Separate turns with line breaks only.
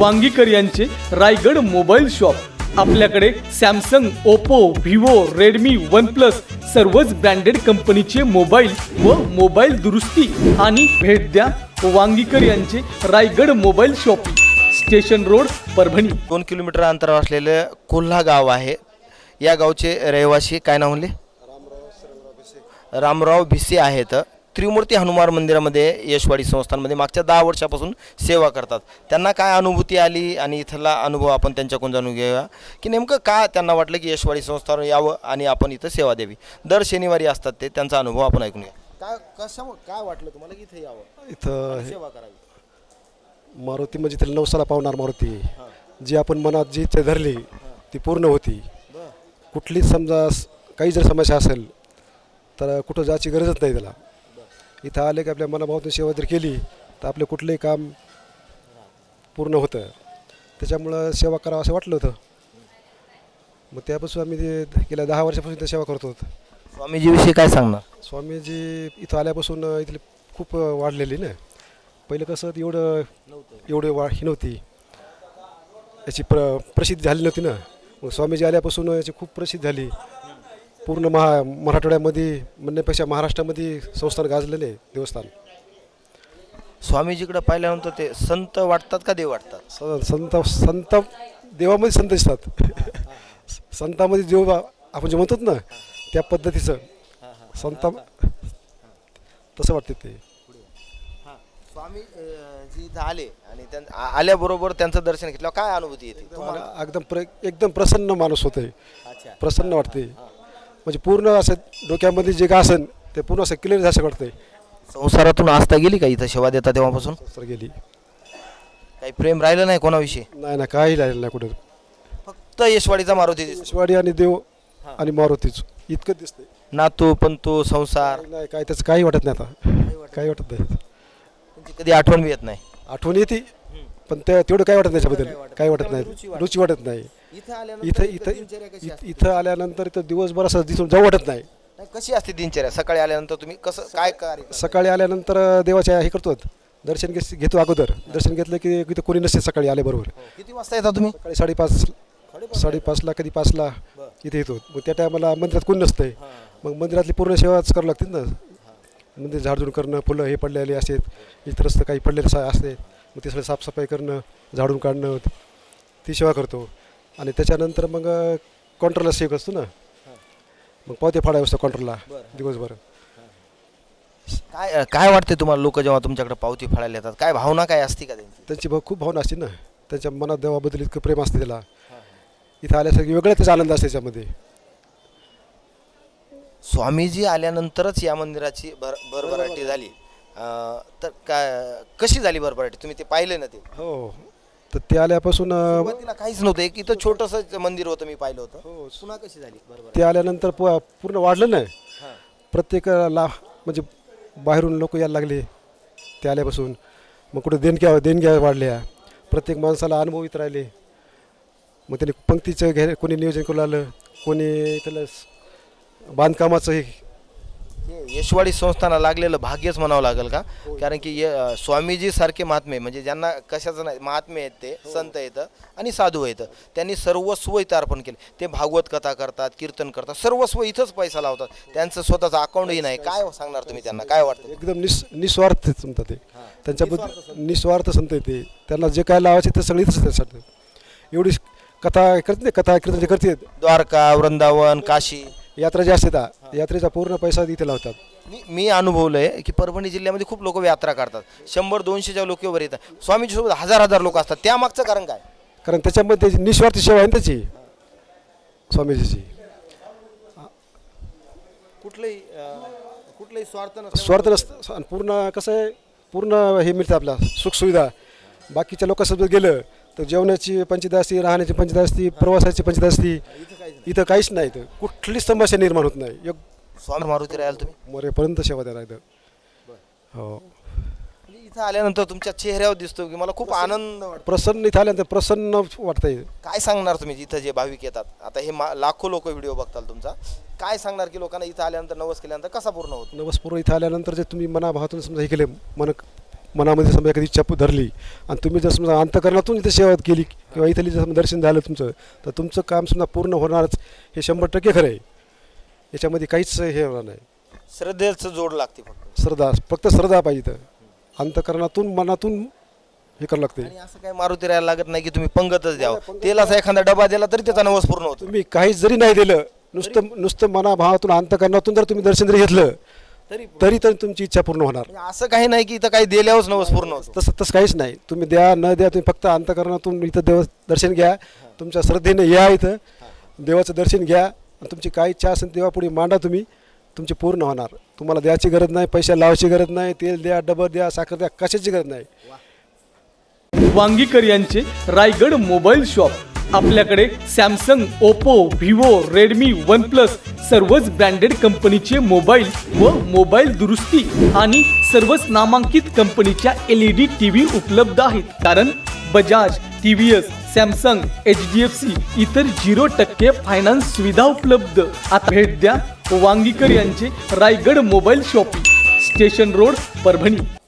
वांगीकर यांचे Raigad mobile shop. आपल्याकडे Samsung, Oppo, Vivo, Redmi, OnePlus सर्वच ब्रँडेड कंपनीचे मोबाईल व मोबाईल दुरुस्ती आणि भेट द्या वांगीकर यांचे Raigad mobile shopping, station road, Parbhani.
2 kilometre अंतरावर असलेले कोल्हा गाव आहे। या गावचे रहिवासी काय नाव म्हणले? रामराव भिसे आहेत। त्रिमूर्ती हनुमान मंदिरामध्ये यशवाडी संस्थानमध्ये मागच्या 10 वर्षापासून सेवा करतात। त्यांना काय अनुभूती आली आणि इथला अनुभव आपण त्यांच्याकडून जाणून घेऊया की नेमकं काय त्यांना वाटलं की यशवाडी संस्थान यावं आणि आपण इथं सेवा द्यावी। दर शनिवारी असतात ते, त्यांचा अनुभव आपण ऐकून घ्या। काय वाटलं तुम्हाला की इथे यावं,
इथं
सेवा करावी?
मारुती म्हणजे त्याला नवसाला पावणार मारुती, जी आपण मनात जी इच्छा धरली ती पूर्ण होती। कुठलीच समजा काही जर समस्या असेल तर कुठं जायची गरजच नाही त्याला। इथं आले की आपल्या मनाभावातून सेवा जर केली तर आपलं कुठलंही काम पूर्ण होतं। त्याच्यामुळं सेवा करावं असं वाटलं होतं। मग त्यापासून आम्ही ते गेल्या 10 वर्षापासून इथं सेवा करतो।
स्वामीजीविषयी काय सांगणार?
स्वामीजी इथं आल्यापासून इथली खूप वाढलेली ना। पहिलं कसं एवढं ही नव्हती, याची प्रसिद्धी झाली नव्हती ना। मग स्वामीजी आल्यापासून याची खूप प्रसिद्धी झाली। पूर्ण मराठवाड्यामध्ये म्हणण्यापेक्षा महाराष्ट्रामध्ये संस्थान गाजलेले देवस्थान।
स्वामीजीकडे पाहिल्यानंतर ते संत वाटतात का देव वाटतात?
संत देवामध्ये संत दिसतात। संतामध्ये देव आपण जे म्हणतो ना त्या पद्धतीचं संत तसं वाटते ते।
स्वामी जी इथं आले आणि आल्याबरोबर त्यांचं दर्शन घेतलं, काय अनुभूती येते तुम्हाला?
एकदम प्रसन्न माणूस होते, प्रसन्न वाटते। म्हणजे पूर्ण असं डोक्यामध्ये जे काय असेल ते पूर्ण असं क्लिअर झालं वाटतंय।
संसारातून आस्था गेली का इथं सेवा देता तेव्हापासून?
सर गेली,
काही प्रेम राहिलं नाही कोणाविषयी?
नाही ना, काही राहिलं नाही कुठं।
फक्त यशवाडीचा मारुती दिसतो।
यशवाडी आणि देव आणि मारुतीच इतकं दिसतंय।
नातू पंतू संसार
नाही, काय त्याचं काही वाटत नाही आता, काही वाटत नाही।
त्यांची कधी आठवण बी येत नाही?
आठवण येते पण तेवढं काय वाटत नाही त्याच्याबद्दल, काही वाटत नाही, रुची वाटत नाही। इथं आल्यानंतर इथं दिवसभर असं दिसून जाऊ वाटत नाही।
कशी असते दिनचर्या? सकाळी आल्यानंतर तुम्ही कसं काय कार्य?
सकाळी आल्यानंतर देवाच्या हे करतो, दर्शन घेतो। अगोदर दर्शन घेतलं की इथं कोणी नसते सकाळी आल्याबरोबर।
किती वाजता येता तुम्ही?
सकाळी 5:30ला कधी 5ला इथे येतो। मग त्या टायमाला मंदिरात कोणी नसतंय, मग मंदिरातली पूर्ण सेवाच करावं लागते ना। मंदिर झाडझूड करणं, फुलं हे पडलेले असतात, इतर रस्ते काही पडलेले असते, मग ते सगळं साफसफाई करणं, झाडून काढणं, ती सेवा करतो। आणि त्याच्यानंतर मग काउंटरला सेवा असतो ना, मग पावते फाडावे असतो काउंटरला दिवसभर।
काय वाटते तुम्हाला लोक जेव्हा तुमच्याकडे पावती फाडायला येतात, काय भावना काय असते का त्यांची?
त्यांची खूप भावना असते ना, त्यांच्या मनात देवाबद्दल इतकं प्रेम असते त्याला। इथं आल्यासारखी वेगळा त्याचा आनंद असते त्याच्यामध्ये।
स्वामीजी आल्यानंतरच या मंदिराची भरभराटी झाली, तर कशी झाली भरभराटी? तुम्ही ते पाहिले ना? ते
हो, तर ते आल्यापासून
सुरुवातीला काहीच नव्हतं, एक इथं छोटंसं मंदिर होतं, मी पाहिलं होतं। पुन्हा कशी झाली भरभराटी?
ते आल्यानंतर पूर्ण वाढलं नाही। प्रत्येकाला म्हणजे बाहेरून लोक यायला लागले ते आल्यापासून। मग कुठे देणग्या वाढल्या, प्रत्येक माणसाला अनुभव येत राहिले। मग त्यांनी पंक्तीचं कोणी नियोजन करू लागलं, कोणी त्याला बांधकामाचं हे
यशवाडी संस्थानाला लागलेलं भाग्यच म्हणावं लागेल का? कारण की स्वामीजी सारखे महात्मे, म्हणजे ज्यांना कशाचं नाही महात्मे आहेत, ते संत येतं आणि साधू येतं, त्यांनी सर्वस्व इथं अर्पण केले। ते भागवत कथा करतात, कीर्तन करतात, सर्वस्व इथंच पैसा लावतात। त्यांचं स्वतःचं अकाउंटही नाही। काय सांगणार तुम्ही त्यांना? काय वाटतं?
एकदम निस्वार्थ संत ते, त्यांच्याबद्दल निस्वार्थ संत येते। त्यांना जे काय लावायचे ते सगळं इथंच त्यासाठी। एवढी कथा करते, कथा कीर्तन जे करते,
द्वारका, वृंदावन, काशी
यात्रा जी असते यात्रेचा पूर्ण पैसा इथे लावतात।
मी अनुभवलंय की परभणी जिल्ह्यामध्ये खूप लोक यात्रा करतात, 100-200च्या लोकांवर येतात। स्वामीजी सोबत हजार लोक असतात, त्यामागचं कारण काय?
कारण त्याच्यामध्ये निस्वार्थ सेवा आहे त्याची, स्वामीजीची।
कुठलंही
स्वार्थ नसतं। पूर्ण कसं आहे, पूर्ण हे मिळतं आपल्याला सुखसुविधा। बाकीच्या लोकांसोबत गेलं तर जेवणाची पंचायत असते, राहण्याची पंचायत असते, प्रवासाची पंचायत असते। इथं काहीच नाही, इथं कुठलीच समस्या निर्माण होत नाही।
स्वामी मारुती राहाल तुम्ही
मरेपर्यंत सेवा द्यायला इथं। हो,
इथं आल्यानंतर तुमच्या चेहऱ्यावर दिसतो की मला खूप आनंद वाटतो,
प्रसन्न। इथं आल्यानंतर प्रसन्न वाटतंय।
काय सांगणार तुम्ही इथं जे भाविक येतात? आता हे लाखो लोक व्हिडिओ बघताल तुमचा, काय सांगणार की लोकांना इथं आल्यानंतर नवस केल्यानंतर कसा पूर्ण होतो?
नवस पूर्ण इथं आल्यानंतर जे तुम्ही मनाभावातून समजा हे केले, मनामध्ये समजा एखादी इच्छा धरली आणि तुम्ही जर समजा अंतकरणातून इथं सेवा केली किंवा इथली जर समजा दर्शन झालं तुमचं, तर तुमचं काम समजा पूर्ण होणारच, हे 100% खरं आहे. याच्यामध्ये काहीच हे होणार नाही.
श्रद्धेचं जोड लागते फक्त.
फक्त श्रद्धा पाहिजे. तर अंतकरणातून मनातून हे करावं लागते.
आणि असं काही मारुती राहायला लागत नाही की तुम्ही पंगतच द्यावं, तेलाचा एखादा डबा दिला तरी त्याचा नवस पूर्ण होतो.
तुम्ही काहीच जरी नाही दिलं, नुसतं मनाभावातून अंतकरणातून जर तुम्ही दर्शन जरी घेतलं तरी तर तुमची इच्छा पूर्ण होणार.
म्हणजे असं काही नाही की इथं काही दिल्यावरच नवस पूर्ण होतो.
तसं काहीच नाही. तुम्ही द्या न द्या, तुम्ही फक्त अंतकरणातून इथं देव दर्शन घ्या, तुमच्या श्रद्धेने या, इथं देवाचं दर्शन घ्या आणि तुमची काय इच्छा असेल देवापुढे मांडा, तुमची पूर्ण होणार. तुम्हाला द्यायची गरज नाही, पैसा लावायची गरज नाही, तेल द्या, डबं द्या, साखर द्या, कशाची गरज नाही.
वांगीकर यांचे रायगड मोबाईल शॉप. आपल्याकडे Samsung, Oppo, Vivo, Redmi, OnePlus सर्वच ब्रँडेड कंपनीचे मोबाईल व मोबाईल दुरुस्ती आणि सर्वच नामांकित कंपनीच्या LED TV उपलब्ध आहेत. कारण बजाज, TVS, सॅमसंग, HDFC इतर 0% फायनान्स सुविधा उपलब्ध. आता भेट द्या वांगीकर यांचे Raigad mobile shopping, station road, Parbhani.